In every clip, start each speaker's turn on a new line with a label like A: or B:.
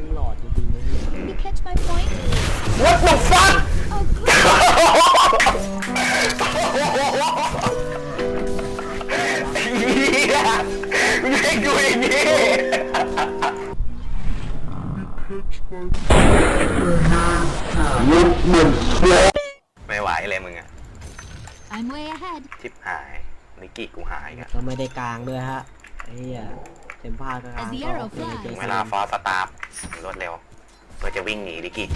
A: งหลอดจริงๆเลย
B: You catch my point?
C: What the fuck
B: Oh, good.
C: เฮียไม่ให้ดูอย่างนี้ไม่ไหวเลยมึงอะ
B: I'm way ahead.
C: ชิบหายนิกกี้กูหายกัน
A: ก็ไม่ได้กลางด้วยฮะไอ้เหี้ยเต็มผ้าก็กลาง
B: As the
A: ก็
B: arrow
A: เป็น
B: flies
A: เจ
C: เวลาฟอสสตาร์ฟรวดเร็วเพื่อจะวิ่งหนีนิกกี้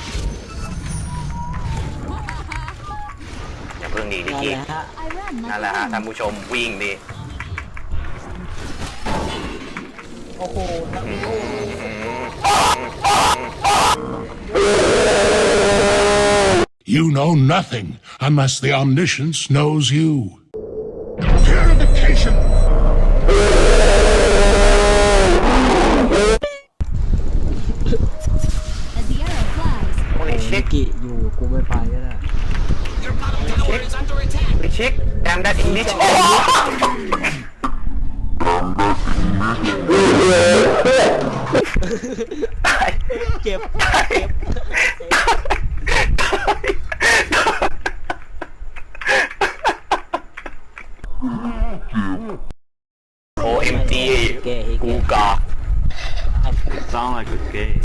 C: อย่าเพิ่งหนีนิก
A: นั่น
C: กี้
A: แหละฮะ
B: I run
C: นั่น
B: like
C: แหละฮะ
B: a
C: ท่าน
B: wind.
C: ผู้ชมวิ่งดิ
A: โอ้โหทั้งโลก
D: You know nothing unless the omniscience knows you. Purification!
B: As the arrow flies.
C: โอ้ยชิ
A: นิ
C: ค
A: กิอยู่กูไม่ไปก็ได้
C: ชิคแดมดัตอิงลิชตาย
A: เจ็บ
C: ตายโอเอ็มจี
A: เก๋
C: กูกอก
E: Sound like a gay.